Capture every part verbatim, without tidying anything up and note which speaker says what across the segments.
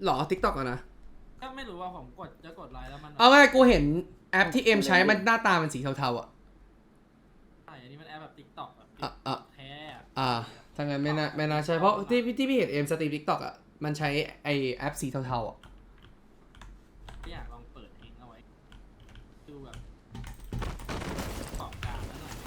Speaker 1: หรอ ติ๊กต็อก อะนะ
Speaker 2: ก็ไม่รู้ว่าผมกดจะกดไลน์แล้วมัน
Speaker 1: เอาไงกูเห็นแอปที่เอ็มใช้มันหน้าตามันสีเทาๆอ่ะ
Speaker 2: ใช่อันนี้มันแอปแบบติ๊กต็อกแบบ
Speaker 1: อ่ะอ่ะ
Speaker 2: แท้อะ
Speaker 1: อ่าถ้างั้นไม่น่าไม่น่าใช่เพราะที่ที่พี่เห็นเอ็มสตรีมติ๊กต็อกอ่ะมันใช้ไอแอปสีเทาๆอ่ะ
Speaker 2: อยากลองเปิดเองเอาไว้ดูแบบขอบกลางแล้วหน่อย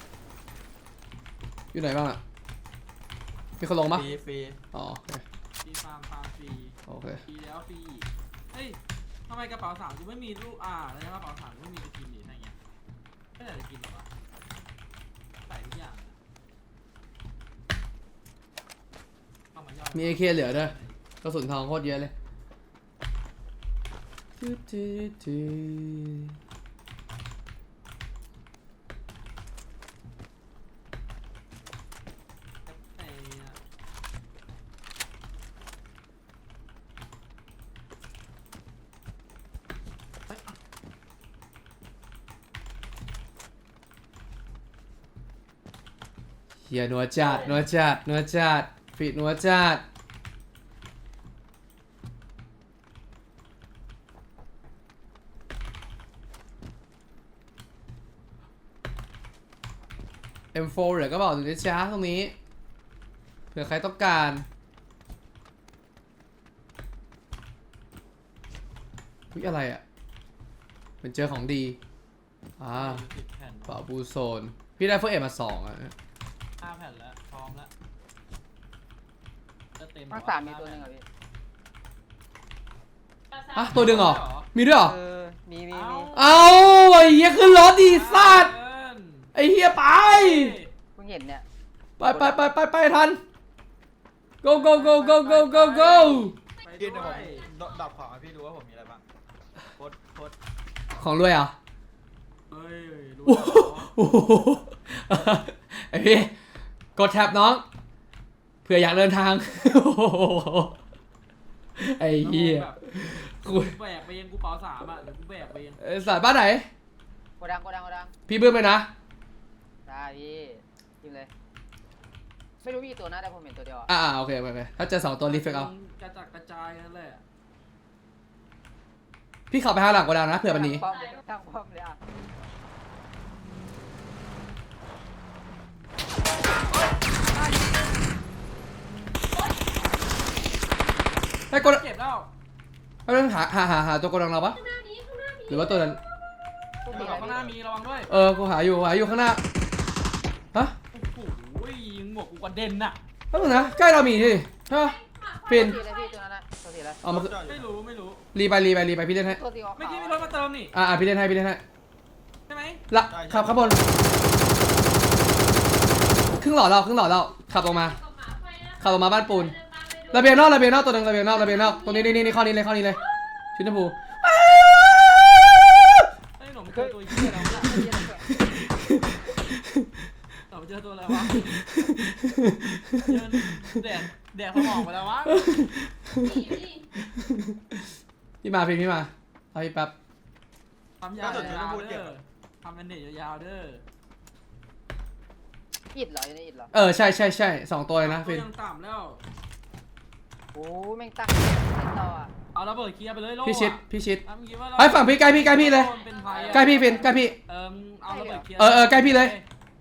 Speaker 1: อยู่ไหนบ้างอ่ะมีคนลงปะ
Speaker 3: ฟรีฟรี
Speaker 1: อ๋อโอเค
Speaker 2: ฟรีฟาร์มฟาร์มฟรี
Speaker 1: โอเค
Speaker 2: ฟรีแล้วฟรีเฮ้ยทำไมกระเป๋าสามกูไม่มีรูปอ่าแล้วกระเป๋าสามกูไม่มีสกินหรืออะไรเงี้ยไม่ได้สกินหรอวะใส่ทุกอย่างเข้ามาย่อย
Speaker 1: มี เอ เค เหลือด้วยกระสุนทองโคตรเยอะเลยเฮียนัวจัดนัวจัดนัวจัดฟีดนัวจัดเอ็มโฟร์เหลือก็บอกดูนะจ๊ะตรงนี้เผื่อใครต้องการวิอะไรอ่ะเป็นเจอของดีอ่า
Speaker 2: สิบแผ่น
Speaker 1: เป่าบูโซนพี่ได้เฟอร์เอ็มมาสองอ่ะ
Speaker 2: ห้าแผ่นแล้วพร้อมแล้วจะเต็ม
Speaker 4: ภาคสามมีตัวหนึงเหรอพี่
Speaker 1: อ่ะตัวดึงเหรอมีด้วยเหรอ
Speaker 4: เออมีมีมี
Speaker 1: เอาไอ้เหี้ยขึ้นรถดีสัตว์ไอ้เหี้ยไป
Speaker 4: เพิ่งเห็นเนี่ย
Speaker 1: ไปไปไปไปไปทัน go go go go go go go
Speaker 2: ไป
Speaker 3: พี่
Speaker 2: ด้
Speaker 3: เดี๋ยวผ
Speaker 2: ว
Speaker 3: ม
Speaker 2: ย
Speaker 3: ดับของให้พี่ดูว่าผมมีอะไรบ้างโคตรโคตร
Speaker 1: ของรวยเหรอ่ะ
Speaker 2: เฮ้ยรู้
Speaker 1: โอ้โหไอ้พี่กดแท็บน้องเผื่ออยากเดินทางโอ้โหไอ้เหี้ย
Speaker 2: กู
Speaker 1: กู
Speaker 2: แบกไปเองกูเป๋าสามอ่ะเดี๋ยวกูแบกไปเอง
Speaker 1: เอ้ยสัตว์บ้านไหน
Speaker 4: โกดังโกดังโกดัง
Speaker 1: พี่เบิ้มเลยนะ
Speaker 4: ได้พี่ยิงเลยไม่รู้มีกี่ตัวนะแต่ผมเห็นตัวเดียวอ่ะ
Speaker 1: อ่าโอเคโอเคถ้าเจอสองตัวรีเฟกเอา
Speaker 2: กระจัดกระจายกันเลยอะ
Speaker 1: พี่ขับไปทางหลังกระดังนะเผื่อมันหนี
Speaker 4: ป้อมเลยตั้งป้อมเลยอ่ะ
Speaker 1: ให้กด
Speaker 2: เก็บแล้ว
Speaker 1: ให้ต้องหาหาหาหาตัวกระดังเราปะหรือว่าตัวนั้น
Speaker 4: ทุก
Speaker 2: ข้า
Speaker 4: ที
Speaker 2: ง
Speaker 4: เลย
Speaker 2: หน้า
Speaker 4: พี่
Speaker 2: มีระวังด้วย
Speaker 1: เออกูหาอยู่หาอยู่ข้างหน้าฮะ
Speaker 2: โอ้โหยิงหมวกกูกระเด็นน่ะ
Speaker 1: แป๊บนึงนะใกล้เรามีที่ใช่ปะฟิน
Speaker 4: ตัวทีเลยพี่ตัวนั้นนะตัวทีเลย
Speaker 1: เอามา
Speaker 2: ไม่รู้ไม่รู้
Speaker 1: รีไปรีไปรีไปพี่เล่นให้
Speaker 4: ตัวทีของ
Speaker 2: เมื่อ
Speaker 4: เขา
Speaker 2: กี้มีรถมาเติมนี่
Speaker 1: อ่าอ่าพี่เล่นให้พี่เล่นให้
Speaker 2: ใช่ไหม
Speaker 1: ละขับข้างบนครึ่งหลอดเราครึ่งหลอดเราขับลงมาขับลงมาบ้านปูนระเบียงนอกระเบียงนอกตัวหนึงระเบียงนอกระเบียงนอกตรงนี้นี่นี่ข้อนี้เลยข้อนี้เลยชุดชมพู
Speaker 2: ไอ้หนุ่มเจอตัวเหี้ยแล้วเนี่ยหนุ่มเจอตัวอะไรวะเดินแดดแดดสมองไปแล้ววะ
Speaker 1: พี่มาพี่พี่มาเอาพี่แป๊บ
Speaker 2: ทำยาวๆเด้อทำเป็นเด็กยาวๆเด้อ
Speaker 4: อิดเหรออยู่ในอิดเหรอ
Speaker 1: เออใช่ใช่ใช่สองตัวเลยนะฟิน
Speaker 2: ยังต่ำแล้ว
Speaker 4: โอ้แม่งตั้งเล่นต่ออ่ะ
Speaker 2: เอาระเบิดเคลียร์ไปเลยโล่
Speaker 1: พี่ชิดพี่ชิด
Speaker 2: ทำคิดว่าเรา
Speaker 1: ไอ้ฝั่งพี่ใกล้พี่ใกล้พี่เลย
Speaker 2: เป็นไทยอะ
Speaker 1: ใกล้พี่ฟินใกล้พี่
Speaker 2: เออเอาระเบิดเคลียร์
Speaker 1: เออเออใกล้พี่เลย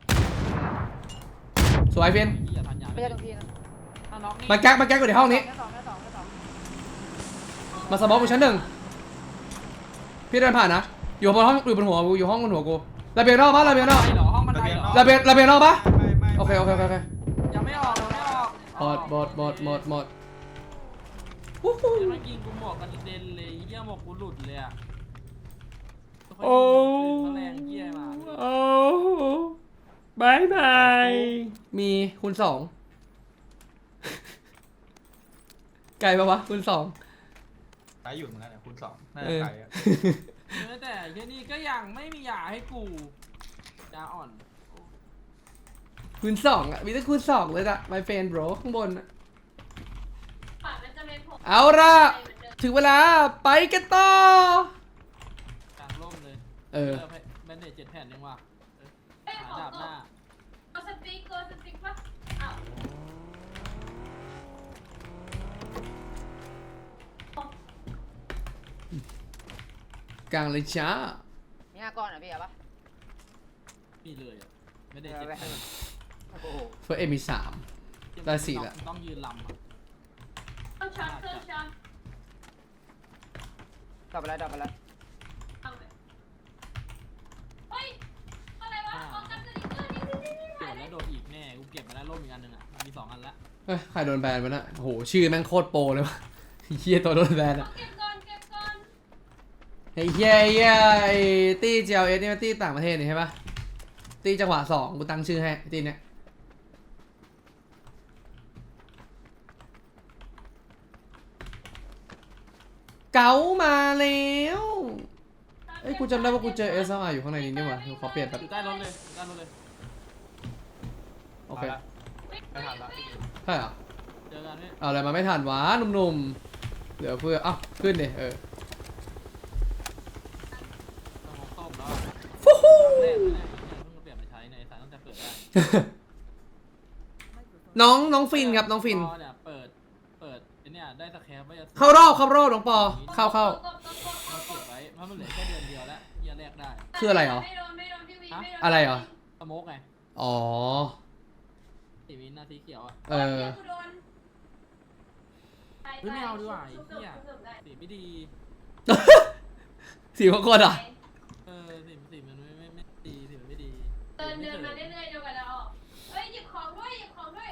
Speaker 1: สวยฟิน
Speaker 2: เหี้ยทันยา
Speaker 4: ไม่ใช่ตรงทีนะ
Speaker 2: ถ้าน็อกนี่
Speaker 1: มาแก๊กมาแก๊กอยู่ในห้องนี้
Speaker 4: แค่สองแค่สองแค่สอง
Speaker 1: มาสมองกูชั้นหนึ่งพี่เดินผ่านนะอยู่บนห้องอยู่บนหัวกูอยู่ห้องบนหัวกูระเบียงนอกปะระเบียงนอก
Speaker 2: เหรอห้องบันไดเหรอ
Speaker 1: ระเบียงระเบียงนอกปะ
Speaker 3: ไม่ไม่
Speaker 1: โอเคโอเคโอเคโอเค
Speaker 2: ยังไม่ออกยังไม่ออก
Speaker 1: หมดหมดหมดหมดหมดวู้ฮู้
Speaker 2: เมื่อกี้กูหมวกกันเด่นเลยเหี้ยหมวกกูหลุดเลยอะ
Speaker 1: โอ้
Speaker 2: เขาแรงเหี้ยมา
Speaker 1: โอ้บายบายมีคูณสองไกลปะวะคูณสอง
Speaker 3: ตายอยู่เหมือนกันเนี่ยคูณสองน่า
Speaker 1: เอ
Speaker 3: จะ
Speaker 1: อ
Speaker 3: ไกลอะ
Speaker 2: เออแต่แค่นี้ก็ยังไม่มียาให้กูยาอ่อน
Speaker 1: คูณสองอ่ะมีแต่คูณสองเลยอะ my friend bro ข้างบนอะเอาละถึงเวลาไปกันต่อก
Speaker 2: ลางร่มเลย
Speaker 1: เออ
Speaker 2: แบนเดจเจ็ดแผ่นยังวะหาดาบหน้า
Speaker 5: เอาสติ๊กตัวสติ๊กปะอ้าว
Speaker 1: กลางเลยจ้า
Speaker 4: มีห้าก้อนอ่ะพี่เอาปะ
Speaker 2: มีเลยอ่ะไม่ได้
Speaker 4: เอา
Speaker 2: เจ็บ
Speaker 4: ไป
Speaker 2: เพิ่ม
Speaker 4: โอ้โห
Speaker 1: เฟิร์สเอ็มมีสาม ได้สี่ละ
Speaker 2: ต้องยืนลำอ่ะ
Speaker 5: เครื่องช็อตเครื่องช็อต
Speaker 4: ดับไปแล้วดับไปแล้ว
Speaker 5: ทำเลยเฮ้ยอะไรวะออกกันสติ๊กเกอร์นี่นี่นี่
Speaker 2: โด
Speaker 5: ถ่าย
Speaker 2: ด
Speaker 5: เล
Speaker 2: แล้
Speaker 5: ยว
Speaker 2: โดดอีกแน่กูเก็บมาแล้วร่มอีกอันหนึ่งอ่ะมีสองอันละ
Speaker 1: เฮ้ยใครโดนแบนวะน่ะโอ้โหชื่อแม่งโคตรโปรเลยวะเฮียตัวโดนแบน
Speaker 5: เอา
Speaker 1: อะ
Speaker 5: เก็บก่อนเก็บก่อน
Speaker 1: ไอ้เฮียไอ้เฮียไอ้ตี้ จี แอล เอส นี่มันตี้ต่างประเทศนี่ใช่ปะตี้จังหวะสองกูตั้งชื่อให้ตี้เนี้ยเก๋ามาแล้วเอ้ยกูจำได้ว่ากูเจอ เอส แอล อาร์ อยู่ข้างในนี้นี่หว่ากูขอเปลี่ยนแบบ
Speaker 2: อยู่ใต้รถเลยอยู่ใต้รถเลย
Speaker 1: โอเค
Speaker 3: าละไม่ทันละ
Speaker 1: ใช่เหรอ
Speaker 2: เจอกันพี่
Speaker 1: เอาอะไรมาไม่ทันวะหนุ่มๆเหลือเพื่ออ้าวขึ้นดิเออ
Speaker 2: ต้องมองต้มแล้ว
Speaker 1: ฟูฮู้
Speaker 2: แรกเลยเพิ่งมาเปลี่ยนมาใช้ในสายตั้งแต่เปิดได้
Speaker 1: น้องน้องฟินครับน้องฟิน
Speaker 2: พอเนี่ยเปิดเปิดไอ้เนี่ยได้สแครปไว้จะ
Speaker 1: เข้ารอบเข้ารอบน้องปอเข้าเข้า
Speaker 5: กดกดกดก
Speaker 2: มา
Speaker 5: ด
Speaker 2: เก็บไว้เพราะมันเหลือแค่เดือนเดียวแล้วเหี้ยแรกได้
Speaker 1: คืออะไรเหรอ
Speaker 5: ไม่โดนไม่โดนพี่วีไม่โดน
Speaker 1: อะไรเหรอ
Speaker 2: สโมกไง
Speaker 1: อ๋อ
Speaker 2: สีวินหน้าสีเขียวอ่ะ
Speaker 1: เออ
Speaker 5: กูโดน
Speaker 2: เฮ้ยไม่เอาดีกว่าไอ้
Speaker 5: ชุบ
Speaker 2: เหี้ย
Speaker 5: ชุบได้
Speaker 2: สีไม่ดี
Speaker 1: สีของคนอ่ะ
Speaker 2: เออสีสีมันไม่ไม่ไม่ดีสีมันไม่ดี
Speaker 5: เดินเดินมาเรื่อยๆเดียวกันแล้วออกเฮ้ยหยิบของด้วยหยิบของด้วย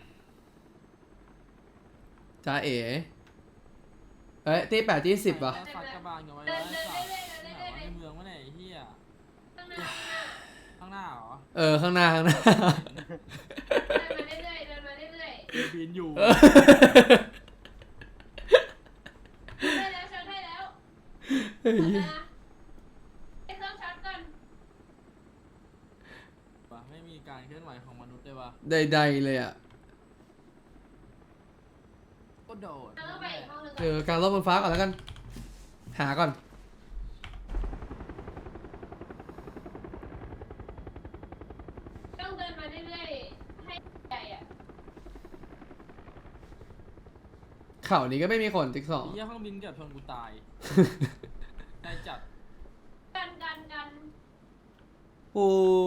Speaker 1: จ้าเอ๋เอ้ยตีแปดตีสิบว่ะ
Speaker 2: สัตว์กระบาลกันไว้
Speaker 5: เดิ
Speaker 2: ไว้
Speaker 5: นเดิน
Speaker 2: สัตว์
Speaker 5: เรื่อยๆเดิน
Speaker 2: ไหน
Speaker 5: เรื่อยว
Speaker 2: ะในเมืองวะเนี่ยไอ้เหี้ย
Speaker 5: ข้างหน้า
Speaker 2: ข้างหน้าเหรอ
Speaker 1: เออข้างหน้าข้างหน้า
Speaker 5: เดินมาเรื่อยๆเดินมาเรื่อย
Speaker 2: บินอยู่
Speaker 1: เออ
Speaker 5: ๆได้แล้วช็อตได้แล้ว
Speaker 1: เฮ้ย
Speaker 5: นะไอ้เครื่องช็อตก่อน
Speaker 2: ว่ะไม่มีการเคลื่อนไหวของมนุษย์เลยว่ะ
Speaker 1: ใดๆเลยอ่ะ
Speaker 2: ก็โดด
Speaker 5: เราต้องไปอีกห้องหนึง
Speaker 1: เอ
Speaker 5: ก่อน
Speaker 1: อกลางรอบบนฟ้าก่อนแล้วกัน หาก่อน
Speaker 5: ต้องเดินมาเรื่อยๆให้ใหญ่อะ
Speaker 1: เข่านี้ก็ไม่มีคนติ๊กสอง
Speaker 2: ไอ้เหี้ยเครื่องบินเกือบชนกูตายได้จัด
Speaker 5: กันกันกัน
Speaker 1: ปู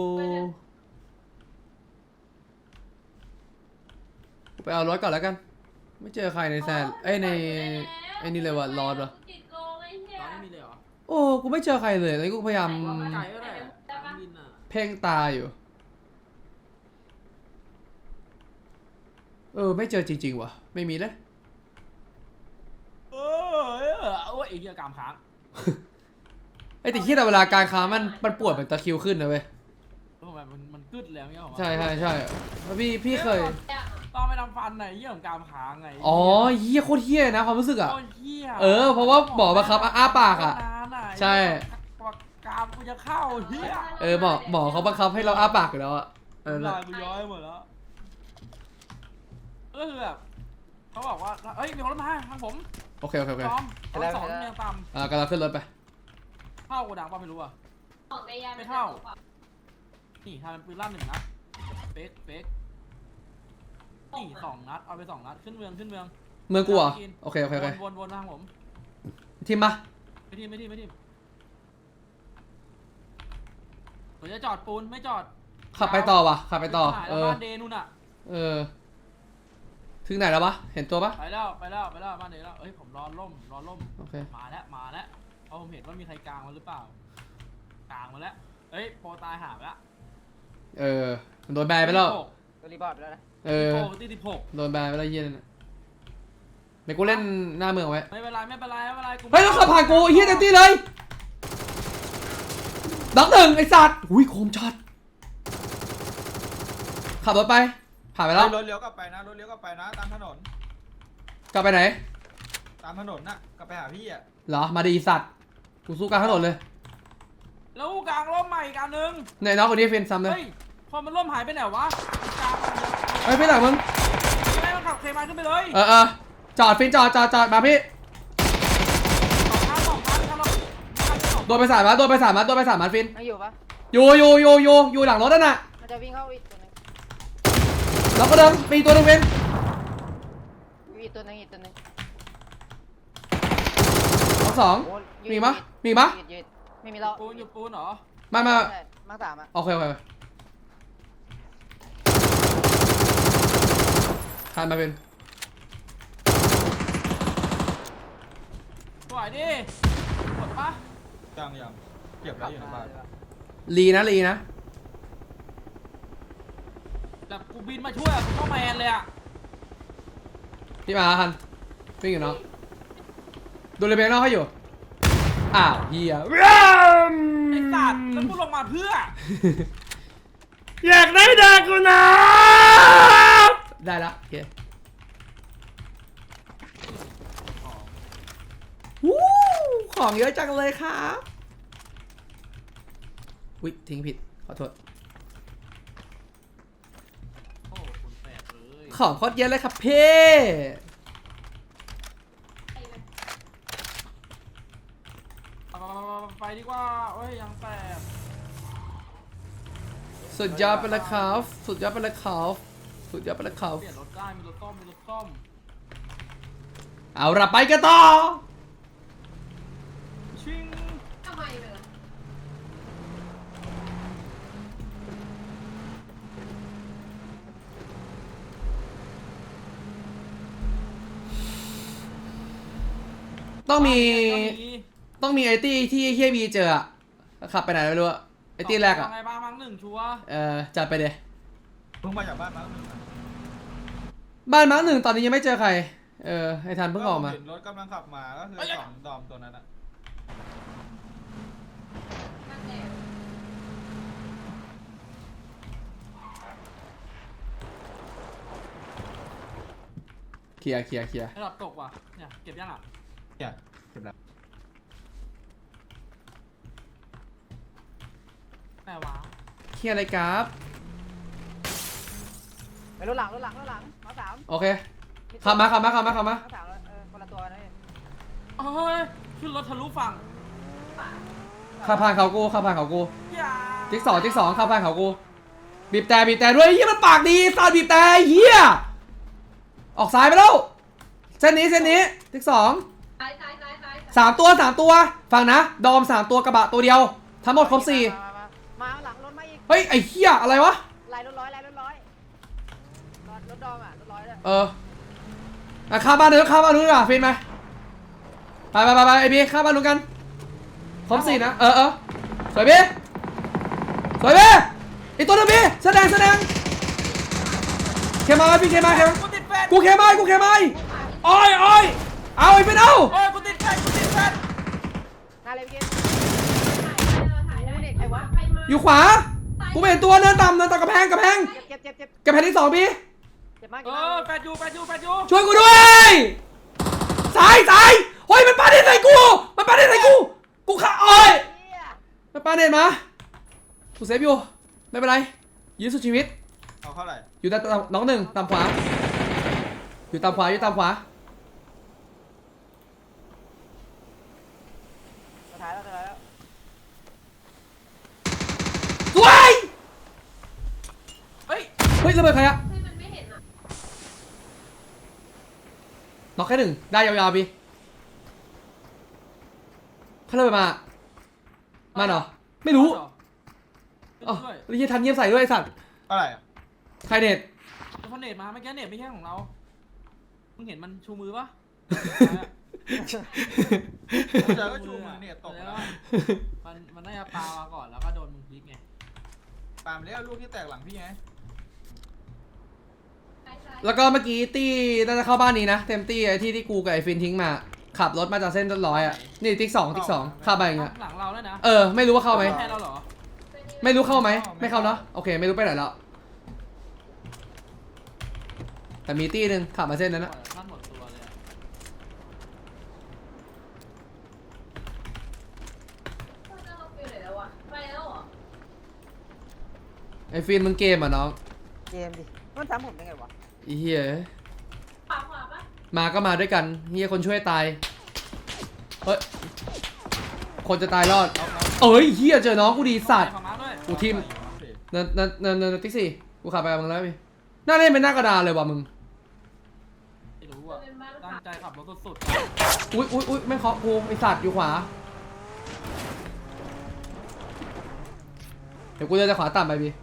Speaker 1: ไปเอารถก่อนแล้วกัน ไม่เจอใครในแซนเอ้ยในไอ้นี่เลยว่ะรอดว่ะ
Speaker 5: ติดโกงไอ้เหี้ย
Speaker 2: ตอนนี้มีเลยเหรอ
Speaker 1: โอ้กูไม่เจอใครเลยแล้วกูพยายาม
Speaker 2: ไก่ก็ได้เครื่องบินอ่ะ
Speaker 1: เพ่งตาอยู่ เออไม่เจอจริงๆว่ะ ไม่มีเลย
Speaker 2: เออเออโอ้ยไอ้เหี้ยกรามค้าง
Speaker 1: ไอ้แต่ที่แต่เวลาการค้ามันมันปวดเป็นตะคริวขึ้นนะเว้ย
Speaker 2: ทำไมมันมันกึดแล้วเนี่ยผมว่า
Speaker 1: ใช่ใช่ใช่แล้วพี่พี่เคย
Speaker 2: ตอนไปทำฟันไหนเหี้ยของกรามค้างไง
Speaker 1: อ๋อเฮี้ยโคตรเฮี้ยนะความรู้สึกอ่ะ
Speaker 2: โคตรเหี้ย
Speaker 1: เออเพราะว่าหมอบังคับอ้าปากอะ
Speaker 2: นานอะ
Speaker 1: ใช่
Speaker 2: กว่ากรามกูจะเข้าเหี้ย
Speaker 1: เออหมอหมอเขาบังคับให้เราอ้าปากอยู่แล้วอ่ะเออ
Speaker 2: ลายกูย้อยหมดแล้วก็คือแบบเขาบอกว่าเอ้ยมีคนรถมาทางผม
Speaker 1: โอเคโอเคโอเค
Speaker 2: พร้อมรถสองเมียงต่
Speaker 1: อ่ากำลังขึ้นรถไป
Speaker 2: ำเข้ากูดังป่ะไม่รู้อ่ะ
Speaker 5: ของในยาม
Speaker 2: ไม่เข้า นี่ทำเป็นปืนลั่นหนึ่งนัดเฟกเฟกนี่สองนัดเอาไปสองนัดขึ้นเมืองขึ้นเมือง
Speaker 1: เมืองกูเหรอโอเคโอเคโอเค
Speaker 2: วนวนวนทางผม
Speaker 1: ทีมปะ
Speaker 2: ไม่ทีมไม่ทีมไม่ทีมผมจะจอดปูนไม่จอด
Speaker 1: ขับไปต่อว่ะขับไปต่อ
Speaker 2: หาย
Speaker 1: เอ
Speaker 2: แล้ว
Speaker 1: อ
Speaker 2: บ้านเดนู่นอ่ะ
Speaker 1: เออถึงไหนแล้ววะเห็นตัวปะ
Speaker 2: ไปแล้วไปแล้วไปแล้วบ้านเดแล้วเอ้ยผมรอล่มรอล่ม
Speaker 1: โอเค
Speaker 2: มาแล้วมาแล้วเพราะผมเห็นว่ามีใครกลางมาหรือเปล่ากลางมาแล้วเอ้ยโปรตายหาไปแล้ว
Speaker 1: เออมันโดนแบนไปแล้ว
Speaker 4: ตัวรีบอร์ดไปแล้วนะ
Speaker 1: เออ
Speaker 2: โปรตีสิบหก
Speaker 1: โดนแบนไปแล้วเฮี้ยนั่นน่ะเดี๋ยวกูเล่นหน้าเมืองไว้
Speaker 2: ไม่เป็นไรไม่เป็นไรไม่เป็นไรกู
Speaker 1: เฮ้ยต้องขับผ่านกูไอ้เฮี้ยเต็มที่เลยด็อกหนึ่งไอ้สัตว์อุ้ยโคมช็อตขับรถไปผ่านไปแล้ว
Speaker 3: รถเลี้ยวกลับไปนะรถเลี้ยวกลับไปนะตามถนน
Speaker 1: กลับไปไหน
Speaker 3: ตามถนนน่ะกลับไปหาพี่อ่ะ
Speaker 1: เหรอมาดีสัตว์กูสู้กลางถนนเลย
Speaker 2: แล้วกูกลางร่มใหม่อีกอันนึง
Speaker 1: เนี่ยน้องคนนี้เฟนซ้ำเลย
Speaker 2: เฮ้ยพอมันร่มหายไปไหนวะกลางมันเยอะ
Speaker 1: เฮ้ยพี่หลังมึง
Speaker 2: ไม่มันขับเคมาขึ้นไปเลย
Speaker 1: เออเออจอดฟินจอดจอดจอดมาพี่
Speaker 2: สองคันสองคันคันละคันละสอง
Speaker 1: โดนไปสามมัดโดนไปสามมัดโดนไปสามมัดฟิน
Speaker 4: ไม่อยู่ปะ
Speaker 1: อยู่อยู่อยู่อยู่อยู่หลังรถนั่นน่ะ
Speaker 4: มันจะวิ่งเข้าอีกตัวหนึง
Speaker 1: แล้วก็เดินมีตัวหนึงฟิน
Speaker 4: อีกตัวหนึงอีกตัวหนึง
Speaker 1: สองสอง
Speaker 4: โอ้ยืด
Speaker 1: มีปะมีปะ
Speaker 4: ยืดยืดไม่มีแล้ว
Speaker 2: ปูนอยู่ปูนเหรอ
Speaker 1: มามา
Speaker 4: ใช่มาร์คสามอ่ะ
Speaker 1: โอเคโอเคคานมาเป็น
Speaker 2: สวยดิหมดปะ
Speaker 3: ยังยังเก็บแล้วอยู่ในบ้าน
Speaker 1: ลีนะลีนะ
Speaker 2: แต่กูบินมาช่วยอะกูต้องแมนเลยอะ
Speaker 1: พี่มาคันวิ่งอยู่เนาะดูเลยเบงนอกให้อยู่อ้าวเฮีย
Speaker 2: ไอ้สัตว์แล้วกูลงมาเพื่อ
Speaker 1: อยากได้ดากูนะได้ละโอเควู้ของเยอะจังเลยครับอุ๊ยทิ้งผิดขอโทษ
Speaker 2: โอ้คุณแปดเลย
Speaker 1: ของโคตรเยอะเลยครับเพ่
Speaker 2: ไปดีกว่าโอ้ยยังแปด
Speaker 1: สุดยอดไปเลยครับสุดยอดไปเลยครับสุดยอดไปเลยครับ
Speaker 2: เปลี่ยนรถได้มีรถต้มมีรถต้ม
Speaker 1: เอาละไปกันต่อ
Speaker 2: ชิง
Speaker 5: ทำไมเลย
Speaker 1: ต้องมี
Speaker 2: ก็
Speaker 1: ต้องมีไอตี้ที่เฮียบีเจออะขับไปไหนไม่รู้อะไอตี้แรกอะ
Speaker 2: ไงบ้างมั้งหนึ่งชัวร์
Speaker 1: เออจัดไปเดย
Speaker 3: เพิ่งมาจากบ้านมาร์คหนึ่งอะ
Speaker 1: บ้านมาร์คหนึ่งตอนนี้ยังไม่เจอใครเออไอทันเพิ่งออกมา
Speaker 3: เห็นรถกำลังขับมาก็คือสองดอมตัวนั้นอะ
Speaker 5: นั่นแหละ
Speaker 1: เคลียร์เคลียร์เคลียร์
Speaker 2: ระดับตกว่ะเนี่ยเก็บยังอ่ะ
Speaker 3: เนี่ยเก็บแล้ว
Speaker 2: แม่วะ
Speaker 1: เคลียร์อะไรครับ
Speaker 4: ไปรถหลังรถหลังรถหลังมาร์คสาม
Speaker 1: โอเคขับมาขับมาขับมาขับมา
Speaker 4: มาร์คสามเออคนละตัวนะ
Speaker 2: เอ้ยขึ้นรถทะลุฝั่ง
Speaker 1: ขับผ่านเขากูขับผ่านเขากู
Speaker 2: อย่า
Speaker 1: จิ๊กสองจิ๊กสองขับผ่านเขากูบีบแต่บีบแต่ด้วยเฮียมันปากดีซาดบีบแต่เฮียออกซ้ายไปแล้วเส้นนี้เส้นนี้จิ๊กสอง
Speaker 5: ซ้ายซ้ายซ้ายซ้าย
Speaker 1: สามตัวสามตัวฟังนะดอมสามตัวกระบะตัวเดียวทั้งหมดครบสี่
Speaker 4: มามามาหลังรถมาอีก
Speaker 1: เฮ้ยไอ้เฮียอะไรวะ
Speaker 4: ลายรถร้อยลายรถร้อยรถรถดอมอ่ะรถร้อยเลย
Speaker 1: เอออ่ะข้ามบ้านนู้นข้ามบ้านนู้นดีกว่าฟินไหมไปไปไปไปไอบีข้ามบ้านนู้นกันครบสี่นะเออเออสวยบีสวยบีอีกตัวหนึงบีแสดงแสดงเคมาพี่เคมาเคมา
Speaker 2: กูติดแฟน
Speaker 1: กูเคมากูเคมาอ้อยอ้อยเอาไอ้เป็นเอา
Speaker 2: โอ้ยกูติดแฟนกูติดแฟน
Speaker 4: หน้าเลยพี่
Speaker 5: ถ่ายได้
Speaker 4: ใครวะ
Speaker 5: ใครมา
Speaker 1: อยู่ขวากูไม่เห็นตัวเนินต่ำเนินต่ำกระแพงกระแพง
Speaker 4: เจ็บเจ็บเจ็บ
Speaker 1: กระแพงที่สองบี
Speaker 4: เจ็บมาก
Speaker 2: เอ
Speaker 4: เจ็บมา
Speaker 2: อก แฟนอยู่แฟนอยู่แฟนอยู่
Speaker 1: ช่วยกูด้วยสายสายเฮ้ยมันปาเน็ตใส่กูมันปาเน็ตใส่กูกูขาอ้อย
Speaker 4: เหี้ย
Speaker 1: มันปาเน็ตมากูเซฟอยู่ไม่เป็นไรยื้อสุดชีวิต
Speaker 3: เอาเท่าไหร่
Speaker 1: อยู่ตามน้องหนึ่งตามขวาอยู่ตามขวาอยู่ตามขวา
Speaker 4: สุดท้ายแล้วสุดท้ายแล้ว
Speaker 1: สวย
Speaker 2: เฮ้ย
Speaker 1: เฮ้ยระเบิดใครอะ
Speaker 5: เฮ้ยมันไม่เห็นอ่ะ
Speaker 1: น็อกแค่หนึ่งได้ยาวๆพี่เขาระเบิดมามาเหรอไม่รู้
Speaker 2: อ๋
Speaker 1: อ๋อ
Speaker 2: อ
Speaker 1: แล้วยี่ทันเงียบใส่ด้วยไอ้สัตว์
Speaker 3: เท่าไหร่อะ
Speaker 1: ใครเน็ต
Speaker 2: เขาเน็ตมาเมื่อกี้เน็ตไม่ใช่ของเรามึงเห็นมันชูมือปะ
Speaker 3: เจอก็ชูมือเนี่ยตก
Speaker 2: แล้
Speaker 3: แล้ว ว
Speaker 2: มันมันน่าจะปามาก่อนแล้วก็โดนมึงพลิกไง
Speaker 3: ตามเลี้ยลูกที่แตกหลังพี่ไง
Speaker 5: ซ้ายซ้าย
Speaker 1: แล้วก็เมื่อกี้ตี้น่าจะเข้าบ้านนี้นะเต็มตี้ไอ้ที่ที่กูกับไอ้ฟินทิ้งมาขับรถมาจากเส้นต้นร้อยอะนี่ติ๊กสองติ๊กสองเข้าไปอย่างเงี้ย
Speaker 2: หลังเราแล้วนะ
Speaker 1: เออไม่รู้ว่าเข้าไหม
Speaker 2: แทนเราเหรอ
Speaker 1: ไม่รู้เข้าไหมไม่เข้าเนาะโอเคไม่รู้ไปไหนแล้วแต่มีตี้หนึ่งขับมาเส้นนั้นนะ
Speaker 2: ท่านหมดตัวเลยอะ
Speaker 5: เฮ้ยเราไปไหนแล้ววะไปแล้วเหรอ
Speaker 1: ไอ้ฟินมึงเกมอ่ะน้อง
Speaker 4: เกมดิมันทำผมได้ไงวะ
Speaker 1: ไอ้เหี้ย
Speaker 5: ขวาขวาปะ
Speaker 1: มาก็มาด้วยกันเฮียคนช่วยตายเฮ้ยคนจะตายรอดเอ้ยเฮียเจอน้องกูดีสัตว์
Speaker 2: ขอมาด้วย
Speaker 1: กูทิมเนินเนินเนินเนินติ๊กสี่กูขับไปกับมึงแล้วพี่หน้าเล่นเป็นหน้ากระดานเลยว่ะมึง
Speaker 2: ไม่รู้อ่ะ
Speaker 5: เป็นบ้าน
Speaker 2: ตั้งใจขับรถสุด
Speaker 1: อุ้ยอุ้ยอุ้ยไม่เคาะกูไอสัตว์อยู่ขวาเดี๋ยวกูจะจะขวาต่ำไปบี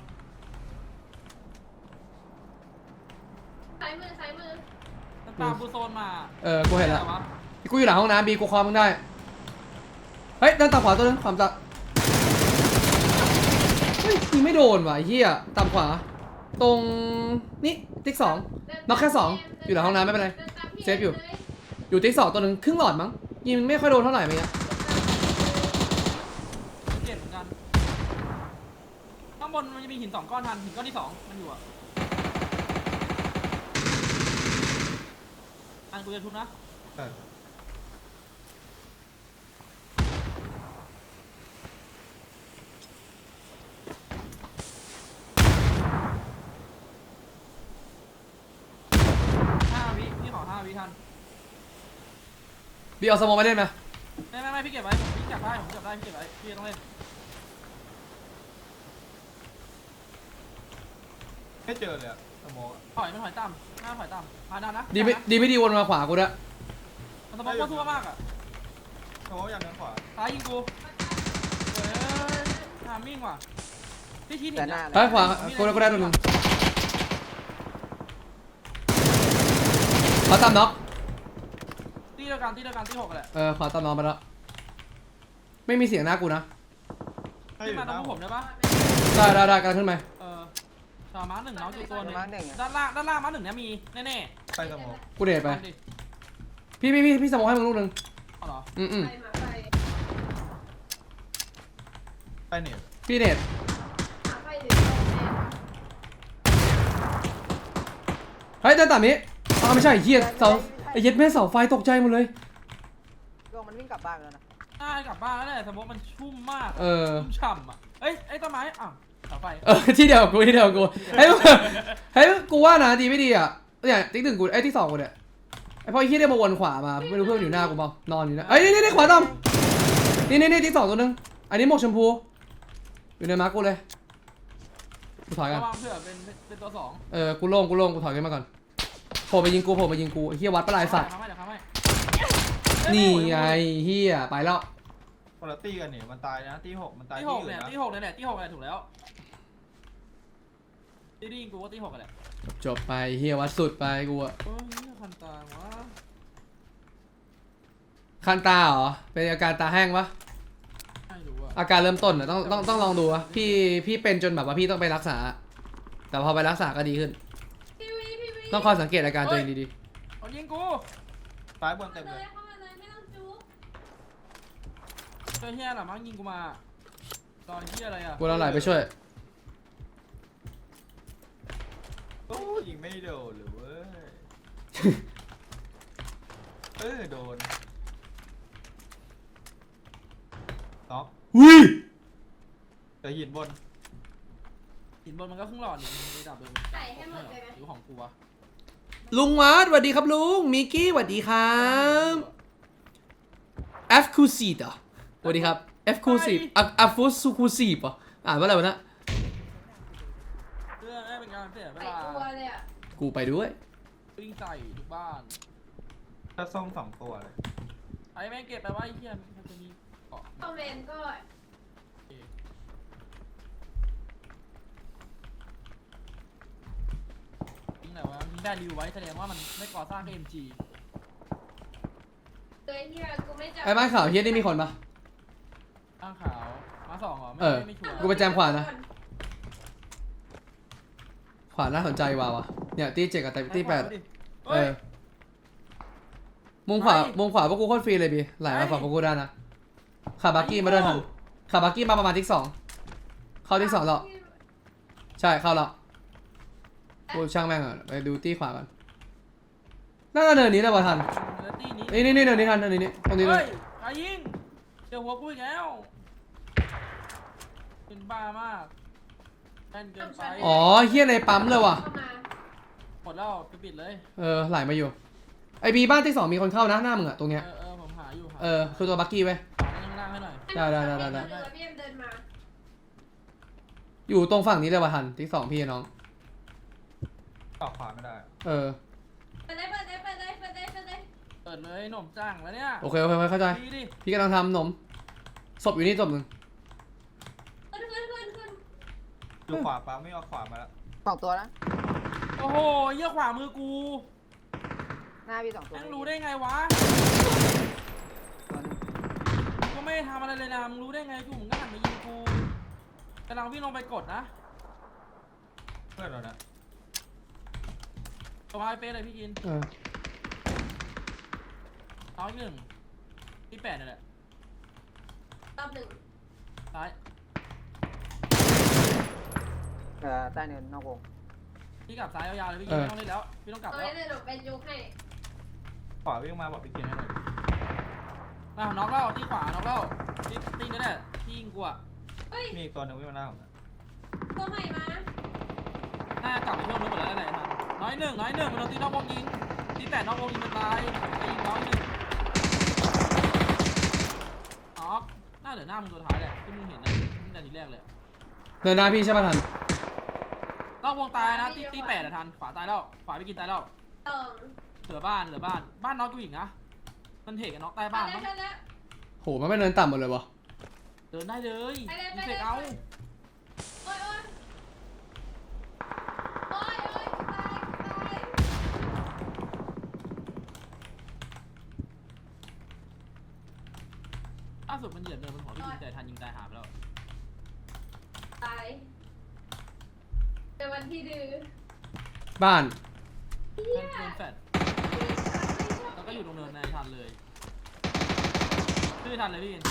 Speaker 5: ซ้ายมือซ้ายมือ
Speaker 2: มันตามกูโซนมา
Speaker 1: เออกูเห็นแล้ว
Speaker 2: อะไรวะ
Speaker 1: กูอยู่หลังห้องน้ำบีกูคอมึงได้เฮ้ยด้านต่ำขวาตัวนึงขวาต่ำเฮ้ยยิงไม่โดนว่ะไอ้เหี้ยต่ำขวาตรงนี่ติ๊กสองน็อกแค่สองอยู่หลังห้องน้ำไม่เป็นไรเซฟอยู่อยู่ติ๊กสองตัวนึงครึ่งหลอดมั้งยิงไม่ค่อยโดนเท่าไหร่เมื่อกี้
Speaker 2: เจ็บเหมือนกันข้างบนมันจะมีหินสองก้อนทันหินก้อนที่สองมันอยู่อ่ะอันกูจะทุบนะ
Speaker 3: เออ
Speaker 2: ห้าวิพี่ขอห้าวิทัน
Speaker 1: บีเอาสโมองมาเล่นไหม
Speaker 2: ไม่ไม่ไม่พี่เก็บไว้ผมพี่จับได้ผมจับได้พี่เก็บไว้พี่ต้องเล่น
Speaker 3: ไม่เจอเลยอะสโมองอะ
Speaker 2: ถอยไม่ถอยต่ำหน้าถอยต่ำมาดันนะ
Speaker 1: ดีไม่ดีไม่ดีวนมาขวากูด้วย
Speaker 2: มันสมองโคตรทั่วมากอ่ะ
Speaker 3: สโมองอย่างนั้นขวา
Speaker 2: ซ้ายยิงกูเฮ้ยทามิ่งว่ะพี่ชี้หนี
Speaker 4: แต่หน้า
Speaker 1: เฮ้ยขวากูได้กูได้ตัวนึงขวาต่ำน็อก
Speaker 2: ตีเดียวกันตีเดียวกันตีหกแหละ
Speaker 1: เออขวาต่ำน็อกไปแล้วไม่มีเสียงหน้ากูนะ
Speaker 3: ให้อ
Speaker 2: ขึ้น
Speaker 3: ยู่
Speaker 2: มา
Speaker 3: ห
Speaker 2: ตร
Speaker 3: น้าง
Speaker 2: ผมได้ปะ
Speaker 1: ได้ได้ได้กำลังขึ้นไป
Speaker 2: เออสามม้าหนึ่งน้องอยู่ตัวหนึง
Speaker 4: มาร์คหนึ่งอะ
Speaker 2: ด้านล่างด้านล่างม้าหนึ่งเนี้ยมีแน่
Speaker 3: ไปสโมอง
Speaker 1: กูเดท
Speaker 2: ๆ
Speaker 1: ไป
Speaker 2: เอาดิ
Speaker 1: พี่พี่พี่พี่สโมองให้มึงลูกนึง
Speaker 2: เอาเหรอ
Speaker 1: อืมอืม
Speaker 5: ไปหมาไฟ
Speaker 3: ไปเนี่ย
Speaker 1: พี่เดท
Speaker 5: หมาไฟหรือโดนแน่
Speaker 1: เฮ้ยเดินต่ำนี้อ้าวไม่ใช่ไอ้เหี้ยเสาไอ้เหี้ยแม่เสาไฟตกใจหมดเลย
Speaker 4: ก็มันวิ่งกลับบ้านแล้วนะ
Speaker 2: น่ากลับบ้านแล้วแหละสมมติมันชุ่มมาก
Speaker 1: เออ
Speaker 2: ชุ่มฉ่ำอ่ะเอ้ยไอ้ต้นไม้อ้าวเสาไฟ
Speaker 1: เออที่เดียวกับกูที่เดียวกับกูเฮ้ยเฮ้ยกูว่านะดีไม่ดีอ่ะเนี่ยติ๊กหนึ่งกูไอ้ยที่สองกูเนี่ยไอ้พอไอ้เหี้ยได้มาวนขวามาไม่รู้เพื่อนอยู่หน้ากูเปล่านอนอยู่นะเอ้ยนี่นี่นี่ขวาต่ำนี่นี่นี่ติ๊กสองตัวนึงอันนี้หมวกชมพูอยู่ในมาร์กกูเลยกูถอยกัน
Speaker 2: ระวังเผื่อเป็นเป็นตัวสอง
Speaker 1: เออกูโล่งกูโล่งกูถอยกันมาก่อนโผล่ไปยิงกูโผล่ไปยิงกูไอ้เหี้ยวัดปลายสัตว์
Speaker 2: เดี๋ยวทำให้เดี๋ยวทำให้
Speaker 1: นี่ไงเหี้ยไปแล้ว
Speaker 3: คนละตีกันเนี่ยมันตายนะตีหกมันตาย
Speaker 2: ที่
Speaker 3: ที่
Speaker 2: หก
Speaker 3: อื่
Speaker 2: เนี่ย
Speaker 3: นนะ
Speaker 2: ที่หกเนี่ยแหละที่หกเนี่ยถูกแล้วที่ได้ยิงกูว่าที่หกกันแหละ
Speaker 1: จบไปเหี้ยวัดสุดไปกูอะ
Speaker 2: เออนี่คันตาวะ
Speaker 1: คันตาเหรอเป็นอาการตาแห้งปะ
Speaker 2: ไม่รู้อะ
Speaker 1: อาการเริ่มต้นอะต้องต้องต้องลองดูอะพี่พี่เป็นจนแบบว่าพี่ต้องไปรักษา แต่พอไปรักษาก็ดีขึ้น
Speaker 5: พี่วีพี่วี
Speaker 1: ต้องคอยสังเกตอาการตัวเองดี
Speaker 2: เอายิงกู
Speaker 3: ซ้ายบน
Speaker 5: เข้า
Speaker 3: เต็ม
Speaker 5: มา
Speaker 3: เล
Speaker 5: เลย ยเข้ามาเลยไม่ต้องจุ๊บ
Speaker 2: เจอเฮียหรอมั้งยิงกูมาตอนเฮียอะไรอะ
Speaker 1: ๆกูเราไหลไปช่วย
Speaker 3: โอ้ยิงไม่โดนหรือเว้ย เออโดนน็อก
Speaker 1: อุ้ย
Speaker 3: แต่หินบน
Speaker 2: หินบนมันก็ครึ่งหลอดนี่มันไม่ดับเลย
Speaker 5: ใส่ให้หมดเลยไหม
Speaker 2: หรือของกูวะ
Speaker 1: ลุงวัดสวัสดีครับลุงมิกกี้สวัสดีครับเอฟคูซีต่อสวัสดีครับเอฟคูซีอัฟอัฟฟูซูคูซีป่ะอ่านว่าอะไรวะนะ
Speaker 2: เพื่อให้เป็นการเสียเว
Speaker 5: ใส่
Speaker 2: ลา
Speaker 5: ตัวเลยอ่ะ
Speaker 1: กูไปด้วย
Speaker 2: วิ่งใส่ทุกบ้าน
Speaker 3: ถ้าส้มสองตัวเลย
Speaker 2: ไอ้แม่งเก็บไปว่าไอ้เฮียมันจะมีเกาะ
Speaker 5: คอมเมนต์ก็
Speaker 2: ทิ้งไหนวะทิ้งได้รีวไว้แสดงว่ามันไม่ก่อสร้าง เอ็ม จี
Speaker 5: เลยที่เรากูไม่จับ
Speaker 1: ไอ้บ้านข่าวเฮียนี่มีคนปะ
Speaker 2: ข้างขาวมาสองเหรอไม่
Speaker 1: เออ
Speaker 2: ไม่ชัวร์
Speaker 1: กูไปแจมขวานะ ขวาน่าสนใจว่าวะเนี่ยตีเจ็ดกับตีแปด
Speaker 2: ดิ
Speaker 1: เอ
Speaker 2: เฮ้ย
Speaker 1: อมุมขวา
Speaker 2: ไป
Speaker 1: มุมขวาพวกกูโคตรฟรีเลยบีไหลมา
Speaker 2: ไป
Speaker 1: ฝั่งพวกกูได้นะขับบักกี้มาด้วยทันขับบักกี้มาประมาณที่สองเข้าที่สองแล้วใช่เข้าแล้วกูช่างแม่งอ่ะไปดูตีขวากันน่าจะเนินนี้แหละวะทัน
Speaker 2: แล้วตีนี้
Speaker 1: นี่นี่นี่เนินนี้ทันเนินนี้ตรงนี้เล
Speaker 2: เฮ้
Speaker 1: ย
Speaker 2: ยใครยิงเจอหัวกูอีกแล้วเป็นบ้ามากแม่นเกินไป
Speaker 1: อ๋อเฮียในปั๊มเลยว่ะ
Speaker 5: เข้ามา
Speaker 2: หมดแล้วไปปิดเลย
Speaker 1: เออไหลมาอยู่ไอบีบ้านที่สองมีคนเข้านะหน้ามึงอะตรง
Speaker 2: เอ
Speaker 1: เนี้ย
Speaker 2: อเออผมหาอยู่หา
Speaker 1: เออคือตัวบักกี้ไว้ย
Speaker 2: หาข้างล่างให้หน่อย
Speaker 1: ได้ได้ได้ได้ได้
Speaker 5: เดินพี่เอ็มเดินมา
Speaker 1: อยู่ตรงฝั่งนี้เลยว่ะทันที่สองพี่น้อง
Speaker 3: ต่อขวาไม่ได้
Speaker 1: เออ
Speaker 5: เปิดได้เปิดได้เปิดได้เปิดได้เปิดได้
Speaker 2: เปิดเลยหนุ่มจ้างแล้วเนี่ย
Speaker 1: โอเคโอเคโอเคเข้าใจ
Speaker 2: ดีดิ
Speaker 1: พี่กำลังทำหนมศพอยู่นี่ศพหนึ่ง
Speaker 5: ขึ้นขึ้นขึ้นขึ้น
Speaker 3: ดูขวาปั๊มไม่เอาขวามาแล้ว
Speaker 4: สองตัวนะ
Speaker 2: โอ้โหเยี่ยขวามือกู
Speaker 4: หน้าพี่สองตัว
Speaker 2: แม่งรู้ได้ไงวะ
Speaker 4: ตัวหนึง
Speaker 2: ก็ไม่ได้ทำอะไรเลยนะมึงรู้ได้ไงกูมึงก็หันมายิงกูกำลังวิ่งลงไปกดนะ
Speaker 3: เพื่อนเรานะ
Speaker 2: สบายเป๊ะเลยพี่กิน
Speaker 1: เออ
Speaker 2: น้อยหนึ่งที่แปดนี่แหละ
Speaker 5: รอบหนึ่ง
Speaker 2: ซ้าย
Speaker 4: เอ่อใต้เนินนอกวง
Speaker 2: พี่กลับซ้ายยาวๆเลยพี่กินไม่ต้องเล่นแล้วพี่ต้องกลับ
Speaker 5: ตอน
Speaker 2: แล้ว
Speaker 5: นี้เดี๋ยวเป็นยุคให้
Speaker 3: ขวาวิ่งมาบอกพี่กินให้หน่อย
Speaker 2: มาน็อกแล้วที่ขวาน็อกแล้วที่ตีนั่นแหละที่ยิงกูอะ
Speaker 5: เฮ้ย
Speaker 3: มีอีกตัวหนึงวิ่งมาหน้าผมนะ
Speaker 5: ตัวใหม่มา
Speaker 2: น่ากลับไปเพิ่มรถหมดแล้วนั่นแหละทันน้อยหนึ่งน้อยหนึ่งมันโดนตีนอกวงยิงที่แปดนอกวงยิงมันตายไปยิงน้อยหนึ่งน็อกหน้าเหลือหน้ามึงตัวท้ายแหละที่มึงเห็นนะที่แต่ทีแรกเลย
Speaker 1: เดินหน้าพี่ใช่ป่ะทัน
Speaker 2: นอกวงตายนะที่ที่แปดอะทันขวาตายแล้วขวาไปกินตายแล้ว
Speaker 5: สอง
Speaker 2: เหลือบ้านเหลือบ้านบ้านน็อกกูอีกนะมันเทกันน็อกใต้
Speaker 5: มา
Speaker 2: บ้าน
Speaker 5: แล้ว
Speaker 2: มั้ง
Speaker 5: มาแล้ว
Speaker 1: โหมันไม่เดินต่ำหมดเลยวะ
Speaker 2: เดินได้เลย
Speaker 5: ไปเลย
Speaker 2: มี
Speaker 5: ไป
Speaker 2: เฟ
Speaker 5: เลย
Speaker 2: กเอา
Speaker 5: โอ้ยโอ้ยโอ้ยโอ้ยตายตาย
Speaker 2: ล่าสุดมันเหยียบเดินบนหัวพี่ยิงแต่ทันยิงตายหาไปแล้ว
Speaker 5: ตายเป็นวันที่ดื้อ
Speaker 1: บ้าน
Speaker 2: ทันโดนแฟดแล้วก็อยู่ตรงเนินในทันเลยชื่อทันเลยพี่กิน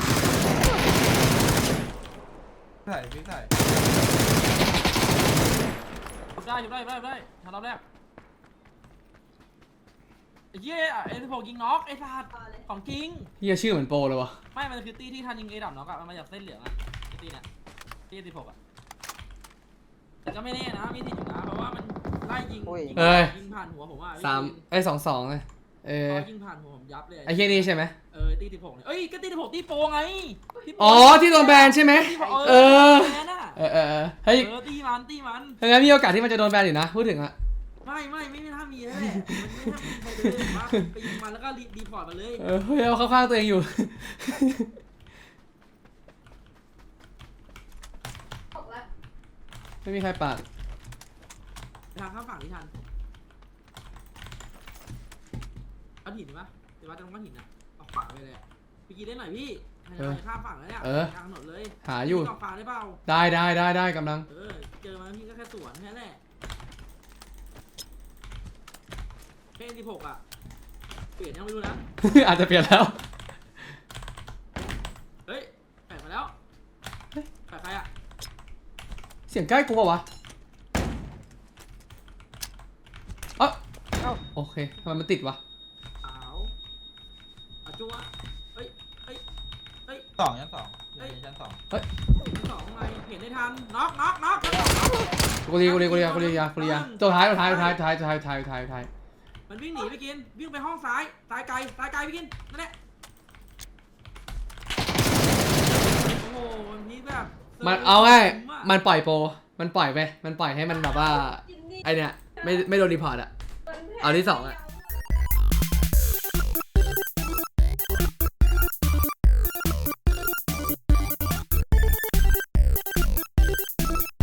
Speaker 3: ใส่พี่ใส่
Speaker 2: ชุบได้ชุบได้ชุบได้ชุบได้ทันรอบแรกไอ้เหี้ยเอ็นสิบหกยิงน็อกไอ้สัตว์
Speaker 5: ต่อเลย
Speaker 2: ของจริง
Speaker 1: เฮียชื่อเหมือนโปรเลยวะ
Speaker 2: ไม่มันคือตีที่ทันยิงเอดับน็อกอะมันมาจากเส้นเหลืองอะไอ้ตีเนี่ยตีสิบหกอะแต่ก็ไม่แน่นะมีสิทธิ์อยู่นะเพราะว่ามันไล่ยิงยิงยิงผ่านหัวผมอะพี่
Speaker 1: สาม
Speaker 2: กิน
Speaker 1: ไอ้ยสองสองเลยเออ
Speaker 2: พอยิงผ่านหัวผมยับเลย
Speaker 1: ไอ้เฮียนี่ใช่ไหม
Speaker 2: เออตีสิบหกเนี่ยเอ้ยก็ตีสิบหกตีโปไงที่โป
Speaker 1: อ๋อที่โดนแบนใช่ไหม
Speaker 2: ที่โป
Speaker 1: เออ
Speaker 2: แบนอะ
Speaker 1: เออเออเออเฮ้ย
Speaker 2: เออตีมันตีมัน
Speaker 1: งั้นมีโอกาสที่มันจะโดนแบนอยู่นะพูดถึงอะ
Speaker 2: ไม่ไม่ไม่ไม่น่ามีแล้วแหละมันไม่น่ามีใครเลยว่าไปยิงมันแล้วก็รีดีพอร์ตมาเลย
Speaker 1: เออเฮ้ยเอาเข้าข้างตัวเองอยู่
Speaker 5: ตกแล้ว
Speaker 1: ไม่มีใครปาด
Speaker 2: ไปทางข้ามฝั่งที่ทันเอาหินปะเดี๋ยวว่าจะลงก้อนหินอะเอาขวาไปเลยอะพี่กีได้หน่อยพี่ให้ข้ามฝั่งแล้วเนี่ยกลางถนนเลย
Speaker 1: หาอยู่
Speaker 2: กองฟ้าได้เปล่า
Speaker 1: ได้ได้ได้ได้กำลัง
Speaker 2: เออเจอมาพี่ก็แค่สวนแค่นั้นแหละเพนที่หกอะเปลี่ยนยังไม่รู้นะ
Speaker 1: อาจจะเปลี่ยนแล้ว
Speaker 2: เฮ้ยแปะมาแล้วแปะใครอะ
Speaker 1: เสียงใกล้กูปะวะเอ้า
Speaker 4: เอ้า
Speaker 1: โอเคทำไมมันติดวะ
Speaker 2: ขาวอาจัวเฮ้ยเฮ้ยเฮ้ย
Speaker 3: สองชั้นสองอยู่ในชั้นสอง
Speaker 2: ที่สองทำไมเห็นได้ทันน็อกน็อกน็อก
Speaker 1: กูรีกูรีกูรีกูรียากูรียาตัวท้ายตัวท้ายตัวท้ายตัวท้ายตัวท้ายตัวท้ายตัวท้ายตัวท้าย
Speaker 2: มันวิ่งหนีไปกินวิ่งไปห้องซ้ายซ้ายไกลซ้ายไกลไปกินนั่นแหละโอ้โหมันพีคแบบ
Speaker 1: มันเอาง่ายมันปล่อยโปรมันปล่อยไปมันปล่อยให้มันแบบว่า
Speaker 5: กินนี่
Speaker 1: ไอเนี้ยไม่ไม่โดนรีพอร์ตอะ เอาที่สองอะ
Speaker 5: เา